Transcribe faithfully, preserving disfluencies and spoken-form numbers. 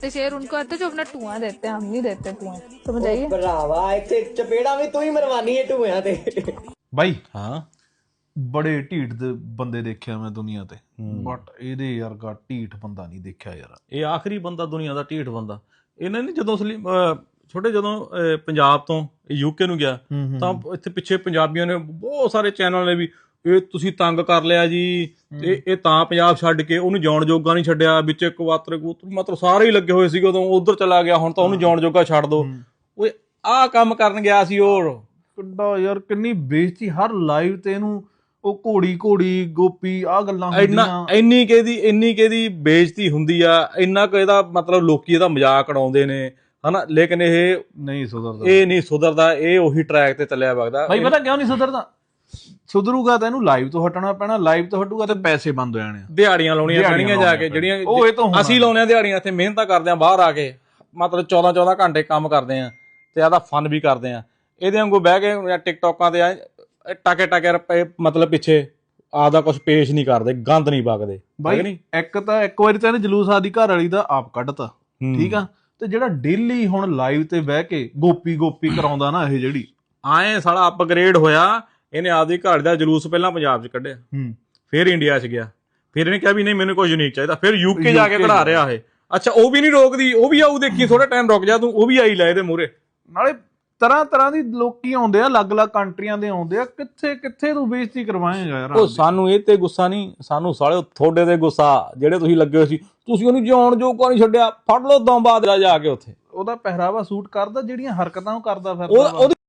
शेर उनको आते जो अपना टुआ देते हैं, हम नहीं देते टुआ, समझ आइए। ਭਰਾਵਾ ਇੱਥੇ ਚਪੇੜਾ ਵੀ ਤੂੰ ਹੀ ਮਰਵਾਨੀ ਹੈ ਟੂਆਂ ਤੇ। ਬਾਈ ਹਾਂ ਬੜੇ ਢੀਠ ਦੇ ਬੰਦੇ ਦੇਖਿਆ ਮੈਂ ਦੁਨੀਆ ਤੇ, ਬਟ ਇਹਦੇ ਵਰਗਾ ਢੀਠ ਬੰਦਾ ਨਹੀਂ ਦੇਖਿਆ ਯਾਰ। ਇਹ ਆਖਰੀ ਬੰਦਾ ਦੁਨੀਆ ਦਾ ਢੀਠ ਬੰਦਾ। ਇਹਨਾਂ ਨੇ ਜਦੋਂ ਸਲੀ ਅਹ ਛੋਟੇ ਜਦੋਂ ਅਹ ਪੰਜਾਬ ਤੋਂ ਯੂਕੇ ਨੂੰ ਗਿਆ ਤਾਂ ਇੱਥੇ ਪਿੱਛੇ ਪੰਜਾਬੀਆਂ ਨੇ ਬਹੁਤ ਸਾਰੇ ਚੈਨਲ ਨੇ ਵੀ ਇਹ ਤੁਸੀਂ ਤੰਗ ਕਰ ਲਿਆ ਜੀ, ਇਹ ਇਹ ਤਾਂ ਪੰਜਾਬ ਛੱਡ ਕੇ ਉਹਨੂੰ ਜਾਣ ਜੋਗਾ ਨਹੀਂ ਛੱਡਿਆ, ਵਿੱਚ ਕਵਾਤਰ ਕਬੂਤਰ ਮਤਲਬ ਸਾਰੇ ਹੀ ਲੱਗੇ ਹੋਏ ਸੀਗੇ ਉਦੋਂ, ਉਧਰ ਚਲਾ ਗਿਆ ਹੁਣ ਤਾਂ ਉਹਨੂੰ ਜਾਣ ਜੋਗਾ ਛੱਡ ਦੋ। ਓਏ ਆਹ ਕੰਮ ਕਰਨ ਗਿਆ ਸੀ ਉਹ। ਕਿੱਡਾ ਯਾਰ ਕਿੰਨੀ ਬੇਇੱਜ਼ਤੀ ਹਰ ਲਾਈਵ ਤੇ ਇਹਨੂੰ, ਉਹ ਘੋੜੀ ਘੋੜੀ ਗੋਪੀ ਆਹ ਗੱਲਾਂ ਇੰਨਾ ਹੁੰਦੀਆਂ। ਇੰਨੀ ਕਿਹਦੀ ਇੰਨੀ ਕਿਹਦੀ ਬੇਇੱਜ਼ਤੀ ਹੁੰਦੀ ਆ, ਇੰਨਾ ਕੁ ਇਹਦਾ ਮਤਲਬ ਲੋਕੀ ਇਹਦਾ ਮਜ਼ਾਕ ਉਡਾਉਂਦੇ ਨੇ ਹਨਾ, ਲੇਕਿਨ ਇਹ ਨਹੀਂ ਸੁਧਰਦਾ, ਇਹ ਨਹੀਂ ਸੁਧਰਦਾ, ਇਹ ਉਹੀ ਟਰੈਕ ਤੇ ਚੱਲਿਆ ਵਗਦਾ। ਬਾਈ ਪਤਾ ਕਿਉਂ ਨਹੀਂ ਸੁਧਰਦਾ? ਸੁਧਰੂਗਾ ਤਾਂ ਇਹਨੂੰ ਲਾਈਵ ਤੋਂ ਹਟਣਾ ਪੈਣਾ, ਲਾਈਵ ਤੋਂ ਹਟੂਗਾ ਤੇ ਪੈਸੇ ਬੰਦ ਹੋ ਜਾਣੇ, ਦਿਹਾੜੀਆਂ ਲਾਉਣੀਆਂ ਪੈਣੀਆਂ ਜਾ ਕੇ, ਜਿਹੜੀਆਂ ਉਹ ਇਹ ਤੋਂ ਅਸੀਂ ਲਾਉਣੇ ਆ ਦਿਹਾੜੀਆਂ, ਇੱਥੇ ਮਿਹਨਤਾਂ ਕਰਦੇ ਆ ਬਾਹਰ ਆ ਕੇ, ਮਤਲਬ ਚੌਦਾਂ ਚੌਦਾਂ ਘੰਟੇ ਕੰਮ ਕਰਦੇ ਆ ਤੇ ਆਦਾ ਫਨ ਵੀ ਕਰਦੇ ਆ। ਇਹਦੇ ਵਾਂਗੂ ਬਹਿ ਕੇ ਟਿਕਟੋਕਾਂ ਤੇ ਟਾਕੇ ਟਾਕੇ ਰੁਪਏ ਮਤਲਬ ਪਿੱਛੇ ਆਪਦਾ ਕੁਝ ਪੇਸ਼ ਨਹੀਂ ਕਰਦੇ, ਗੰਦ ਨਹੀਂ ਵਗਦੇ ਬਾਈ। ਇੱਕ ਤਾਂ ਇੱਕ ਵਾਰੀ ਤਾਂ ਇਹਨੇ ਜਲੂਸ ਆਦੀ ਘਰ ਵਾਲੀ ਦਾ ਆਪ ਕੱਢਤਾ, ਠੀਕ ਆ, ਤੇ ਜਿਹੜਾ ਡੇਲੀ ਹੁਣ ਲਾਈਵ ਤੇ ਬਹਿ ਕੇ ਗੋਪੀ ਗੋਪੀ ਕਰਾਉਂਦਾ ਨਾ, ਇਹ ਜਿਹੜੀ ਆਏ ਸਾਲਾ ਅਪਗ੍ਰੇਡ ਹੋਇਆ, ਇਹਨੇ ਆਪਦੀ ਘਰ ਦਾ ਜਲੂਸ ਪਹਿਲਾਂ ਪੰਜਾਬ 'ਚ ਕੱਢਿਆ, ਫਿਰ ਇੰਡੀਆ 'ਚ ਗਿਆ, ਫਿਰ ਇਹਨੇ ਕਿਹਾ ਵੀ ਨਹੀਂ ਮੈਨੂੰ ਕੋਈ ਯੂਨੀਕ ਚਾਹੀਦਾ, ਫਿਰ ਯੂਕੇ ਜਾ ਕੇ ਕਢਾ ਰਿਹਾ ਇਹ। ਅੱਛਾ ਉਹ ਵੀ ਨਹੀਂ ਰੋਕਦੀ, ਉਹ ਵੀ ਆਊ, ਦੇਖੀ ਥੋੜਾ ਟਾਈਮ ਰੁਕ ਜਾ ਤੂੰ, ਉਹ ਵੀ ਆਈ ਲੈ ਇਹਦੇ ਮੂਹਰੇ। ਨਾਲੇ ਤਰ੍ਹਾਂ ਤਰ੍ਹਾਂ ਦੀ ਲੋਕੀ ਆਉਂਦੇ ਆ, ਅਲੱਗ-ਅਲੱਗ ਕੰਟਰੀਆਂ ਦੇ ਆਉਂਦੇ ਆ, ਕਿੱਥੇ ਕਿੱਥੇ ਤੂੰ ਬੇਇੱਜ਼ਤੀ ਕਰਵਾਏਂਗਾ ਯਾਰ। ਉਹ ਸਾਨੂੰ ਇਹ ਤੇ ਗੁੱਸਾ ਨਹੀਂ, ਸਾਨੂੰ ਸਾਲੇ ਤੁਹਾਡੇ ਤੇ ਗੁੱਸਾ, ਜਿਹੜੇ ਤੁਸੀਂ ਲੱਗੇ ਹੋਏ ਸੀ, ਤੁਸੀਂ ਉਹਨੂੰ ਜਾਣ ਜੋਗਾ ਨਹੀਂ ਛੱਡਿਆ, ਫੜ ਲਓ ਦਮ ਬਾਅਦ ਜਾ ਕੇ ਉੱਥੇ। ਉਹਦਾ ਪਹਿਰਾਵਾ ਸੂਟ ਕਰਦਾ, ਜਿਹੜੀਆਂ ਹਰਕਤਾਂ ਉਹ ਕਰਦਾ ਫਿਰਦਾ।